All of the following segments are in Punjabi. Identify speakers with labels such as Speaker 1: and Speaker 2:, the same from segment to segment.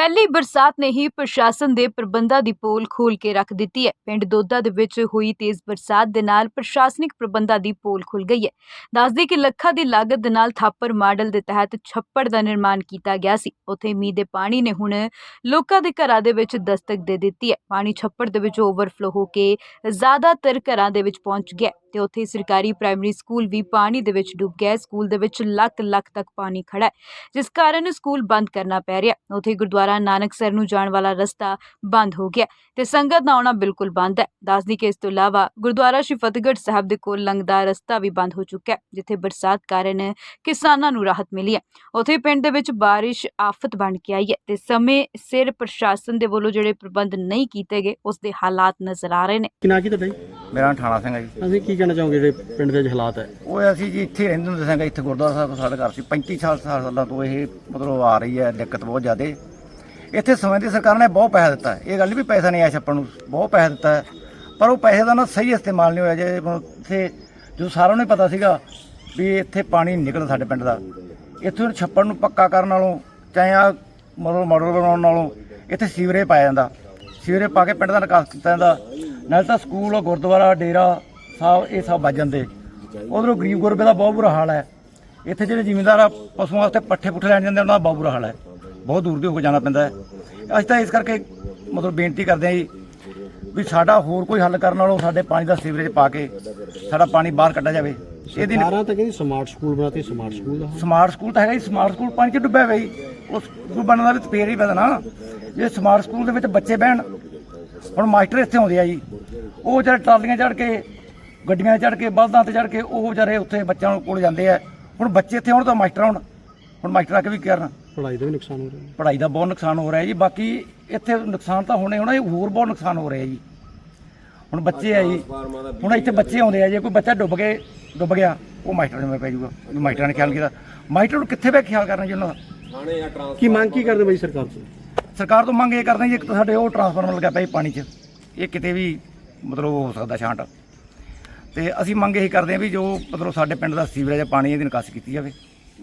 Speaker 1: ਪਹਿਲੀ ਬਰਸਾਤ ਨੇ ਹੀ ਪ੍ਰਸ਼ਾਸਨ ਦੇ ਪ੍ਰਬੰਧਾਂ ਦੀ ਪੋਲ ਖੋਲ੍ਹ ਕੇ ਰੱਖ ਦਿੱਤੀ ਹੈ। ਪਿੰਡ ਦੋਦਾ ਦੇ ਵਿੱਚ ਹੋਈ ਤੇਜ਼ ਬਰਸਾਤ ਦੇ ਨਾਲ ਪ੍ਰਸ਼ਾਸਨਿਕ ਪ੍ਰਬੰਧਾਂ ਦੀ ਪੋਲ ਖੁੱਲ੍ਹ ਗਈ ਹੈ। ਦੱਸਦੀ ਕਿ ਲੱਖਾਂ ਦੀ ਲਾਗਤ ਦੇ ਨਾਲ ਥਾਪਰ ਮਾਡਲ ਦੇ ਤਹਿਤ ਛੱਪੜ ਦਾ ਨਿਰਮਾਣ ਕੀਤਾ ਗਿਆ ਸੀ। ਉੱਥੇ ਮੀਂਹ ਦੇ ਪਾਣੀ ਨੇ ਹੁਣ ਲੋਕਾਂ ਦੇ ਘਰਾਂ ਦੇ ਵਿੱਚ ਦਸਤਕ ਦੇ ਦਿੱਤੀ ਹੈ। ਪਾਣੀ ਛੱਪੜ ਦੇ ਵਿੱਚ ਓਵਰਫਲੋ ਹੋ ਕੇ ਜ਼ਿਆਦਾਤਰ ਘਰਾਂ ਦੇ ਵਿੱਚ ਪਹੁੰਚ ਗਿਆ ਤੇ ਉੱਥੇ ਸਰਕਾਰੀ ਪ੍ਰਾਇਮਰੀ ਸਕੂਲ ਵੀ ਪਾਣੀ ਦੇ ਵਿੱਚ ਡੁੱਬ ਗਿਆ। ਸਕੂਲ ਦੇ ਵਿੱਚ ਲੱਖ ਤੱਕ ਪਾਣੀ ਖੜਾ ਹੈ, ਜਿਸ ਕਾਰਨ ਸਕੂਲ ਬੰਦ ਕਰਨਾ ਪੈ ਰਿਹਾ। ਉੱਥੇ ਗੁਰਦੁਆਰਾ ਨਾਨਕਸਰ ਨੂੰ ਜਾਣ ਵਾਲਾ ਰਸਤਾ ਬੰਦ ਹੋ ਗਿਆ ਤੇ ਸੰਗਤ ਦਾ ਆਉਣਾ ਬਿਲਕੁਲ ਬੰਦ ਹੈ। ਦੱਸਦੀ ਕਿ ਇਸ ਤੋਂ ਇਲਾਵਾ ਗੁਰਦੁਆਰਾ ਸ਼੍ਰੀ ਫਤਿਹਗੜ੍ਹ ਸਾਹਿਬ ਦੇ ਕੋਲ ਲੰਘਦਾ ਰਸਤਾ ਵੀ ਬੰਦ ਹੋ ਚੁੱਕਾ ਹੈ, ਜਿੱਥੇ ਬਰਸਾਤ ਕਾਰਨ ਕਿਸਾਨਾਂ ਨੂੰ ਰਾਹਤ ਮਿਲੀ ਹੈ। ਉੱਥੇ ਪਿੰਡ ਦੇ ਵਿੱਚ ਬਾਰਿਸ਼ ਆਫਤ ਬਣ ਕੇ ਆਈ ਹੈ ਤੇ ਸਮੇਂ ਸਿਰ ਪ੍ਰਸ਼ਾਸਨ ਦੇ ਵੱਲੋਂ ਜਿਹੜੇ ਪ੍ਰਬੰਧ ਨਹੀਂ ਕੀਤੇ ਗਏ ਉਸ ਦੇ ਹਾਲਾਤ ਨਜ਼ਰ ਆ ਰਹੇ ਨੇ।
Speaker 2: ਕਿੰਨਾ ਕੀ ਤੁਹਾਡਾ ਜੀ?
Speaker 3: ਮੇਰਾ ਨਾਮ ਠਾਣਾ ਸਿੰਘ ਹੈ ਜੀ।
Speaker 2: ਅਸੀਂ ਕੀ ਕਹਿਣਾ ਚਾਹੋਗੇ ਜਿਹੜੇ ਪਿੰਡ ਦੇ ਹਾਲਾਤ ਹੈ?
Speaker 3: ਉਹ ਅਸੀਂ ਜੀ ਇੱਥੇ ਰਹਿੰਦੇ ਹੁੰਦੇ ਸਾਂ, ਇੱਥੇ ਗੁਰਦੁਆਰਾ ਸਾਹਿਬ ਸਾਡੇ ਘਰ ਸੀ। 35 ਸਾਲਾਂ ਤੋਂ ਇਹ ਮਤਲਬ ਆ ਰਹੀ ਹੈ ਦਿੱਕਤ ਬਹੁਤ ਜ਼ਿਆਦਾ। ਇੱਥੇ ਸਮੇਂ ਦੀ ਸਰਕਾਰ ਨੇ ਬਹੁਤ ਪੈਸਾ ਦਿੱਤਾ, ਇਹ ਗੱਲ ਵੀ ਪੈਸਾ ਨਹੀਂ ਆਇਆ ਛੱਪਣ ਨੂੰ, ਬਹੁਤ ਪੈਸਾ ਦਿੱਤਾ ਹੈ, ਪਰ ਉਹ ਪੈਸੇ ਦਾ ਨਾ ਸਹੀ ਇਸਤੇਮਾਲ ਨਹੀਂ ਹੋਇਆ। ਜੇ ਇੱਥੇ ਜੋ ਸਾਰਿਆਂ ਨੂੰ ਪਤਾ ਸੀਗਾ ਵੀ ਇੱਥੇ ਪਾਣੀ ਨਿਕਲਦਾ ਸਾਡੇ ਪਿੰਡ ਦਾ, ਇੱਥੋਂ ਛੱਪੜ ਨੂੰ ਪੱਕਾ ਕਰਨ ਨਾਲੋਂ ਚਾਹੇ ਆ ਮਤਲਬ ਮਾਡਲ ਬਣਾਉਣ ਨਾਲੋਂ ਇੱਥੇ ਸੀਵਰੇਜ ਪਾਇਆ ਜਾਂਦਾ, ਸੀਵਰੇਜ ਪਾ ਕੇ ਪਿੰਡ ਦਾ ਨਿਕਾਸ ਕੀਤਾ ਜਾਂਦਾ। ਨਾਲੇ ਤਾਂ ਸਕੂਲ, ਗੁਰਦੁਆਰਾ, ਡੇਰਾ ਸਾਹਿਬ ਇਹ ਸਭ ਵੱਜ ਜਾਂਦੇ। ਉਧਰੋਂ ਗਰੀਬ ਗੁਰਬੇ ਦਾ ਬਹੁਤ ਬੁਰਾ ਹਾਲ ਹੈ। ਇੱਥੇ ਜਿਹੜੇ ਜ਼ਿਮੀਂਦਾਰ ਆ ਪਸ਼ੂਆਂ ਵਾਸਤੇ ਪੱਠੇ ਪੁੱਠੇ ਲੈਣ ਜਾਂਦੇ ਉਹਨਾਂ ਦਾ ਬਹੁਤ ਬੁਰਾ ਹਾਲ ਹੈ, ਬਹੁਤ ਦੂਰ ਦੇ ਹੋ ਕੇ ਜਾਣਾ ਪੈਂਦਾ ਹੈ। ਅਸੀਂ ਤਾਂ ਇਸ ਕਰਕੇ ਮਤਲਬ ਬੇਨਤੀ ਕਰਦੇ ਹਾਂ ਜੀ ਵੀ ਸਾਡਾ ਹੋਰ ਕੋਈ ਹੱਲ ਕਰਨ ਨਾਲੋਂ ਸਾਡੇ ਪਾਣੀ ਦਾ ਸੀਵਰੇਜ ਪਾ ਕੇ ਸਾਡਾ ਪਾਣੀ ਬਾਹਰ ਕੱਢਿਆ ਜਾਵੇ। ਇਹਦੀ
Speaker 2: ਸਰਕਾਰਾਂ ਤਾਂ ਕਹਿੰਦੀ ਸਮਾਰਟ ਸਕੂਲ ਬਣਾਤੇ, ਸਮਾਰਟ
Speaker 3: ਸਕੂਲ ਤਾਂ ਹੈਗਾ ਜੀ, ਸਮਾਰਟ ਸਕੂਲ ਪਾਣੀ 'ਚ ਡੁੱਬਿਆ ਹੋਇਆ ਜੀ। ਉਸ ਸਕੂਲ ਬਣਨ ਦਾ ਵੀ ਫੇਰ ਹੀ ਪਤਾ ਨਾ, ਜੇ ਸਮਾਰਟ ਸਕੂਲ ਦੇ ਵਿੱਚ ਬੱਚੇ ਬਹਿਣ। ਹੁਣ ਮਾਸਟਰ ਇੱਥੇ ਆਉਂਦੇ ਆ ਜੀ, ਉਹ ਵਿਚਾਰੇ ਟਰਾਲੀਆਂ ਚੜ੍ਹ ਕੇ, ਗੱਡੀਆਂ ਚੜ੍ਹ ਕੇ, ਬਲਦਾਂ ਤੇ ਚੜ੍ਹ ਕੇ ਉਹ ਵਿਚਾਰੇ ਉੱਥੇ ਬੱਚਿਆਂ ਕੋਲ ਜਾਂਦੇ ਆ। ਹੁਣ ਬੱਚੇ ਇੱਥੇ ਆਉਣ ਤਾਂ ਮਾਸਟਰ ਆਉਣ, ਹੁਣ ਮਾਸਟਰ ਆ ਕੇ ਵੀ ਕਰਨ।
Speaker 2: ਪੜ੍ਹਾਈ ਦਾ ਵੀ ਨੁਕਸਾਨ ਹੋ ਰਿਹਾ,
Speaker 3: ਪੜ੍ਹਾਈ ਦਾ ਬਹੁਤ ਨੁਕਸਾਨ ਹੋ ਰਿਹਾ ਜੀ। ਬਾਕੀ ਇੱਥੇ ਨੁਕਸਾਨ ਤਾਂ ਹੋਣਾ, ਇਹ ਹੋਰ ਬਹੁਤ ਨੁਕਸਾਨ ਹੋ ਰਿਹਾ ਜੀ। ਹੁਣ ਬੱਚੇ ਆ ਜੀ, ਹੁਣ ਇੱਥੇ ਬੱਚੇ ਆਉਂਦੇ ਆ, ਜੇ ਕੋਈ ਬੱਚਾ ਡੁੱਬ ਗਿਆ ਉਹ ਮਾਸਟਰ ਜਿਵੇਂ ਪੈ ਜਾਊਗਾ, ਮਾਸਟਰਾਂ ਨੇ ਖਿਆਲ ਕੀਤਾ। ਮਾਸਟਰ ਨੂੰ ਕਿੱਥੇ ਬੈ ਖਿਆਲ ਕਰਨਾ ਜੀ ਉਹਨਾਂ ਦਾ?
Speaker 2: ਕੀ ਮੰਗ ਕੀ ਕਰਦੇ ਬਾਈ ਸਰਕਾਰ ਤੋਂ?
Speaker 3: ਸਰਕਾਰ ਤੋਂ ਮੰਗ ਇਹ ਕਰਦੇ ਜੀ, ਇੱਕ ਤਾਂ ਸਾਡੇ ਉਹ ਟਰਾਂਸਫਾਰਮਰ ਲੱਗਿਆ ਪਿਆ ਪਾਣੀ 'ਚ, ਇਹ ਕਿਤੇ ਵੀ ਮਤਲਬ ਹੋ ਸਕਦਾ ਛਾਂਟ। ਤੇ ਅਸੀਂ ਮੰਗ ਇਹੀ ਕਰਦੇ ਹਾਂ ਵੀ ਜੋ ਮਤਲਬ ਸਾਡੇ ਪਿੰਡ ਦਾ ਸੀਵਰੇਜ ਪਾਣੀ ਇਹਦੀ ਨਿਕਾਸੀ ਕੀਤੀ ਜਾਵੇ,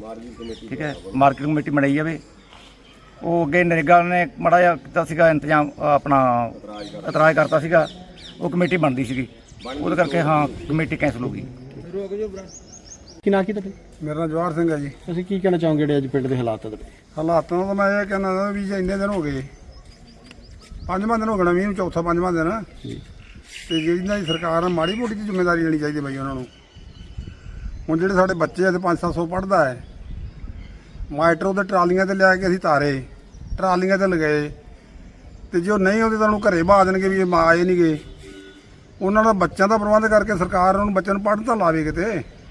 Speaker 3: ਠੀਕ ਹੈ। ਮਾਰਕੀਟ ਕਮੇਟੀ ਬਣਾਈ ਜਾਵੇ। ਉਹ ਅੱਗੇ ਨਰੇਗਾ ਨੇ ਮਾੜਾ ਜਿਹਾ ਕੀਤਾ ਸੀਗਾ ਇੰਤਜ਼ਾਮ, ਆਪਣਾ ਇਤਰਾਜ਼ ਕਰਤਾ ਸੀਗਾ, ਉਹ ਕਮੇਟੀ ਬਣਦੀ ਸੀਗੀ, ਉਹਦੇ ਕਰਕੇ ਹਾਂ ਕਮੇਟੀ ਕੈਂਸਲ ਹੋ ਗਈ।
Speaker 2: ਕੀ ਨਾਂ ਕੀ ਤੁਹਾਡਾ?
Speaker 4: ਮੇਰਾ ਨਾਮ ਜਵਾਹਰ ਸਿੰਘ ਹੈ ਜੀ।
Speaker 2: ਅਸੀਂ ਕੀ ਕਹਿਣਾ ਚਾਹੋਗੇ ਜਿਹੜੇ ਅੱਜ ਪਿੰਡ ਦੇ ਹਾਲਾਤ ਹੈ ਤੁਹਾਡੇ?
Speaker 4: ਹਾਲਾਤਾਂ ਦਾ ਮੈਂ ਇਹ ਕਹਿੰਦਾ ਵੀ ਜੇ ਇੰਨੇ ਦਿਨ ਹੋ ਗਏ, 5ਵਾਂ ਦਿਨ ਹੋ ਗਿਆ ਮੀਂਹ ਨੂੰ, ਚੌਥਾ 5ਵਾਂ ਦਿਨ, ਤੇ ਜਿਹੜੀ ਇਹਨਾਂ ਦੀ ਸਰਕਾਰ ਆ ਮਾੜੀ ਮੋਟੀ ਦੀ ਜ਼ਿੰਮੇਵਾਰੀ ਲੈਣੀ ਚਾਹੀਦੀ ਬਾਈ ਉਹਨਾਂ ਨੂੰ। ਹੁਣ ਜਿਹੜੇ ਸਾਡੇ ਬੱਚੇ ਆ ਤੇ 500-700 ਪੜ੍ਹਦਾ ਹੈ, ਮਾਸਟਰ ਉਹਦੇ ਟਰਾਲੀਆਂ ਤੇ ਲਿਆ ਕੇ ਅਸੀਂ ਤਾਰੇ, ਟਰਾਲੀਆਂ ਤੇ ਲਗਾਏ, ਤੇ ਜੇ ਉਹ ਨਹੀਂ ਆਉਂਦੇ ਤਾਂ ਉਹਨੂੰ ਘਰੇ ਬਾਹ ਦੇਣਗੇ ਵੀ ਇਹ ਆਏ ਨਹੀਂ ਗਏ। ਉਹਨਾਂ ਦਾ ਬੱਚਿਆਂ ਦਾ ਪ੍ਰਬੰਧ ਕਰਕੇ ਸਰਕਾਰ ਉਹਨਾਂ ਨੂੰ ਬੱਚਿਆਂ ਨੂੰ ਪੜ੍ਹਨ ਤਾਂ ਲਾਵੇ ਕਿਤੇ,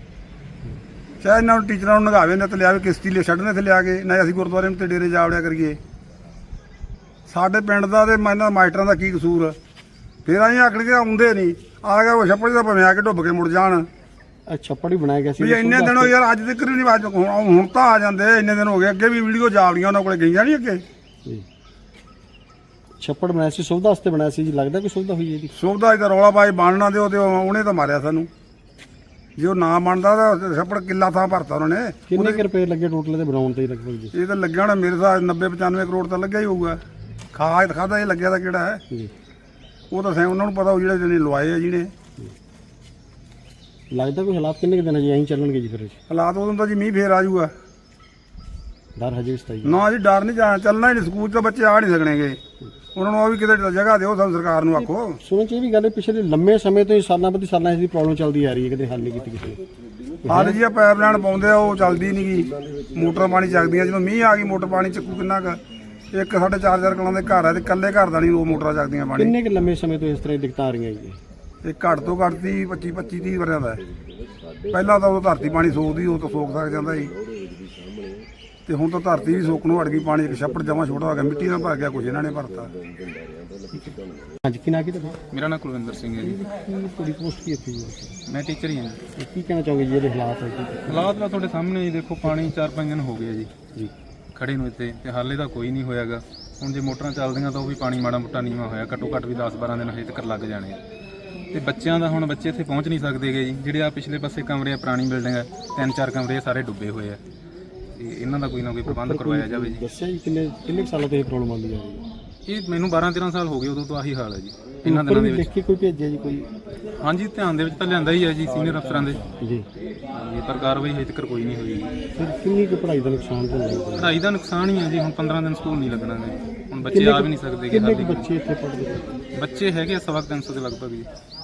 Speaker 4: ਚਾਹੇ ਇਹਨਾਂ ਨੂੰ ਟੀਚਰਾਂ ਨੂੰ ਨਗਾਵੇ ਨਾ ਤੇ ਲਿਆਵੇ, ਕਿਸ਼ਤੀ ਲੈ ਛੱਡਣੇ ਤੇ ਲਿਆ ਕੇ, ਨਾ ਅਸੀਂ ਗੁਰਦੁਆਰੇ ਨੂੰ ਤੇ ਡੇਰੇ ਜਾ ਵੜਿਆ ਕਰੀਏ। ਸਾਡੇ ਪਿੰਡ ਦਾ ਤੇ ਇਹਨਾਂ ਮਾਸਟਰਾਂ ਦਾ ਕੀ ਕਸੂਰ? ਫਿਰ ਅਸੀਂ ਆਖਣ ਕੇ ਆਉਂਦੇ ਨਹੀਂ, ਆ ਗਿਆ ਉਹ ਛੱਪੜ ਦਾ ਭਵੇਂ ਆ ਕੇ ਡੁੱਬ ਕੇ ਮੁੜ ਜਾਣ।
Speaker 2: ਛੱਪੜ ਹੀ ਬਣਾਇਆ ਗਿਆ ਸੀ
Speaker 4: ਵੀ ਇੰਨੇ ਦਿਨ ਹੋ ਯਾਰ, ਅੱਜ ਤੱਕ ਨਹੀਂ, ਅੱਜ ਹੁਣ ਤਾਂ ਆ ਜਾਂਦੇ, ਇੰਨੇ ਦਿਨ ਹੋ ਗਏ। ਅੱਗੇ ਵੀ ਵੀਡੀਓ ਜਾਵੜੀਆਂ ਉਹਨਾਂ ਕੋਲੇ ਗਈਆਂ ਨਹੀਂ ਅੱਗੇ।
Speaker 2: ਛੱਪੜ ਬਣਾਇਆ ਸੀ, ਸੁਵਿਧਾ ਵਾਸਤੇ ਬਣਾਇਆ ਸੀ ਜੀ, ਲੱਗਦਾ ਕੋਈ ਸੁਵਿਧਾ ਹੋਈ ਇਹਦੀ?
Speaker 4: ਸੁਵਿਧਾ ਇਹਦਾ ਰੌਲਾ ਪਾਈ ਬਣਨਾ ਦਿਓ ਤੇ ਉਹਨੇ ਤਾਂ ਮਾਰਿਆ ਸਾਨੂੰ। ਜੇ ਉਹ ਨਾ ਬਣਦਾ ਤਾਂ ਛੱਪੜ ਕਿੱਲਾ ਥਾਂ ਭਰਤਾ ਉਹਨਾਂ ਨੇ।
Speaker 2: ਕਿੰਨੇ ਕੁ ਰੁਪਏ ਲੱਗੇ ਟੋਟਲ ਤੇ ਬਣਾਉਣ ਤੇ ਲਗਭਗ ਜੀ?
Speaker 4: ਇਹ ਤਾਂ ਲੱਗਿਆ ਹੋਣਾ ਮੇਰੇ ਹਿਸਾਬ 90-95 ਕਰੋੜ ਤਾਂ ਲੱਗਿਆ ਹੀ ਹੋਊਗਾ। ਖਾਦਾ ਇਹ ਲੱਗਿਆ ਤਾਂ ਕਿਹੜਾ ਹੈ
Speaker 2: ਜੀ,
Speaker 4: ਉਹ ਤਾਂ ਉਹਨਾਂ ਨੂੰ ਪਤਾ, ਉਹ ਜਿਹੜੇ ਲਵਾਏ ਆ ਜਿਹਨੇ।
Speaker 2: ਲੱਗਦਾ ਕੋਈ ਹਾਲਾਤ ਕਿੰਨੇ ਕੁ ਦਿਨ ਜੀ ਐਂ ਚੱਲਣਗੇ ਜੀ? ਫਿਰ
Speaker 4: ਹਾਲਾਤ ਉਦੋਂ ਤਾਂ ਜੀ ਮੀਂਹ ਫੇਰ ਆ ਜਾਊਗਾ।
Speaker 2: ਡਰ ਹਜੇ ਵੀ ਸਤਾਈ
Speaker 4: ਨਾ ਜੀ, ਡਰ ਨਹੀਂ ਜਾਣਾ, ਚੱਲਣਾ ਹੀ ਨਹੀਂ। ਸਕੂਲ 'ਚ ਤਾਂ ਬੱਚੇ ਆ ਨਹੀਂ ਸਕਣਗੇ, ਉਹਨਾਂ ਨੂੰ ਉਹ ਵੀ ਕਿਤੇ ਜਗ੍ਹਾ ਦਿਓ, ਸਾਨੂੰ ਸਰਕਾਰ ਨੂੰ ਆਖੋ।
Speaker 2: ਸੁਣਨ ਚ ਇਹ ਵੀ ਗੱਲ ਹੈ, ਪਿਛਲੇ ਲੰਮੇ ਸਮੇਂ ਤੋਂ ਹੀ ਸਾਲਾਂ ਪ੍ਰਤੀ ਸਾਲਾਂ ਇਸ ਦੀ ਪ੍ਰੋਬਲਮ ਚੱਲਦੀ ਆ ਰਹੀ ਹੈ, ਕਦੇ ਹੱਲ ਨਹੀਂ ਕੀਤੀ ਕਿਸੇ ਨੇ।
Speaker 4: ਹਾਲ ਜੀ ਆ ਪਾਈਪ ਲਾਈਨ ਪਾਉਂਦੇ ਆ, ਉਹ ਚੱਲਦੀ ਨਹੀਂ ਗੀ। ਮੋਟਰ ਪਾਣੀ ਚੱਕਦੀਆਂ, ਜਦੋਂ ਮੀਂਹ ਆ ਗਈ ਮੋਟਰ ਪਾਣੀ ਚੱਕੂ ਕਿੰਨਾ ਕੁ? ਇੱਕ ਸਾਡੇ 4-4 ਕਲਾਂ ਦੇ ਘਰ ਹੈ ਤੇ ਇਕੱਲੇ ਘਰ ਦਾ ਨਹੀਂ ਉਹ ਮੋਟਰਾਂ ਚੱਕਦੀਆਂ ਪਾਣੀ।
Speaker 2: ਕਿੰਨੇ ਕੁ ਲੰਮੇ ਸਮੇਂ ਤੋਂ ਇਸ ਤਰ੍ਹਾਂ ਦੀ ਦਿੱਕਤਾਂ ਆ ਰਹੀਆਂ ਜੀ?
Speaker 4: ਇਹ ਘੱਟ ਤੋਂ ਘੱਟ 25-30 ਵਰਿਆਂ ਦਾ ਹੈ। ਪਹਿਲਾਂ ਤਾਂ ਉਹ ਧਰਤੀ ਪਾਣੀ ਸੋਕਦੀ, ਉਹ ਤਾਂ ਸੋਕ ਸਕ ਜਾਂਦਾ ਸੀ, ਤੇ ਹੁਣ ਤਾਂ ਧਰਤੀ ਵੀ ਸੋਕ ਨੂੰ ਹਟ ਗਈ। ਪਾਣੀ ਇੱਕ ਛੱਪੜ ਜਮਾਂ ਛੋਟਾ ਹੋ ਗਿਆ, ਮਿੱਟੀ ਨਾਲ ਭਰ ਗਿਆ, ਕੁਝ ਇਹਨਾਂ ਨੇ ਭਰਤਾ।
Speaker 2: ਹਾਂਜੀ, ਕੀ ਨਾਂ ਕੀ ਤੁਹਾਡਾ?
Speaker 5: ਮੇਰਾ ਨਾਮ ਕੁਲਵਿੰਦਰ ਸਿੰਘ ਹੈ ਜੀ।
Speaker 2: ਤੁਹਾਡੀ ਪੋਸਟ ਕੀ ਇੱਥੇ?
Speaker 5: ਮੈਂ ਟੀਚਰ ਹੀ ਹਾਂ ਜੀ।
Speaker 2: ਕੀ ਕਹਿਣਾ ਚਾਹੋਗੇ ਜੀ ਇਹਦੇ ਹਾਲਾਤ ਹੈ?
Speaker 5: ਹਾਲਾਤ ਤਾਂ ਤੁਹਾਡੇ ਸਾਹਮਣੇ ਹੀ ਦੇਖੋ, ਪਾਣੀ 4-5 ਦਿਨ ਹੋ ਗਏ ਜੀ
Speaker 2: ਜੀ
Speaker 5: ਖੜੇ ਨੂੰ ਇੱਥੇ, ਤੇ ਹਾਲੇ ਤਾਂ ਕੋਈ ਨਹੀਂ ਹੋਇਆਗਾ। ਹੁਣ ਜੇ ਮੋਟਰਾਂ ਚੱਲਦੀਆਂ ਤਾਂ ਉਹ ਵੀ ਪਾਣੀ ਮਾੜਾ ਮੋਟਾ ਨੀਵਾਂ ਹੋਇਆ, ਘੱਟੋ ਘੱਟ ਵੀ 10-12 ਦਿਨ ਹਜੇ ਤੱਕ ਲੱਗ ਜਾਣੇ ਆ। ਤੇ ਬੱਚਿਆਂ ਦਾ ਹੁਣ ਬੱਚੇ ਇੱਥੇ ਪਹੁੰਚ ਨਹੀਂ ਸਕਦੇਗੇ ਜੀ। ਜਿਹੜੇ ਆ ਪਿਛਲੇ ਪਾਸੇ ਕਮਰੇ ਆ, ਪੁਰਾਣੀ ਬਿਲਡਿੰਗ ਹੈ, 3-4 ਕਮਰੇ ਸਾਰੇ ਡੁੱਬੇ ਹੋਏ ਆ। ਤੇ ਇਹਨਾਂ ਦਾ ਕੋਈ ਨਾ ਕੋਈ ਪ੍ਰਬੰਧ ਕਰਵਾਇਆ ਜਾਵੇ ਜੀ।
Speaker 2: ਦੱਸਿਆ ਜੀ ਕਿੰਨੇ ਕੁ ਸਾਲਾਂ ਤੋਂ ਇਹ ਪ੍ਰੋਬਲਮ ਆਉਂਦੀ ਆ ਰਹੀ ਹੈ?
Speaker 5: ਇਹ ਮੈਨੂੰ 12-13 ਸਾਲ ਹੋ ਗਏ, ਉਦੋਂ ਤੋਂ ਆਹੀ ਹਾਲ ਹੈ ਜੀ ਇਹਨਾਂ
Speaker 2: ਉੱਪਰ
Speaker 5: ਦਿਨਾਂ
Speaker 2: ਵੀ
Speaker 5: ਦੇ
Speaker 2: ਲਿਖ
Speaker 5: ਵਿੱਚ।
Speaker 2: ਕੇ ਕੋਈ ਭੇਜਿਆ ਜੀ ਕੋਈ?
Speaker 5: ਹਾਂਜੀ, ਧਿਆਨ ਦੇ ਵਿੱਚ ਤਾਂ ਲਿਆਂਦਾ ਹੀ ਹੈ ਜੀ ਸੀਨੀਅਰ ਅਫਸਰਾਂ ਦੇ,
Speaker 2: ਜੀ
Speaker 5: ਪਰ ਕਾਰਵਾਈ ਹਜੇ ਤੱਕ ਕੋਈ ਨਹੀਂ ਹੋਈ ਜੀ।
Speaker 2: ਫਿਰ ਕਿੰਨੀ ਕੁ ਪੜ੍ਹਾਈ ਦਾ ਨੁਕਸਾਨ ਹੋ ਰਿਹਾ?
Speaker 5: ਪੜ੍ਹਾਈ ਦਾ ਨੁਕਸਾਨ ਹੀ ਹੈ ਜੀ, ਹੁਣ 15 ਦਿਨ ਸਕੂਲ ਨਹੀਂ ਲੱਗਣਾ ਜੀ, ਹੁਣ ਬੱਚੇ ਆ ਵੀ ਨਹੀਂ ਸਕਦੇ।
Speaker 2: ਕਿੰਨੇ ਕੁ ਬੱਚੇ ਇੱਥੇ ਪੜ੍ਹਦੇ?
Speaker 5: ਬੱਚੇ ਹੈਗੇ 350 ਦੇ ਲਗਭਗ ਜੀ।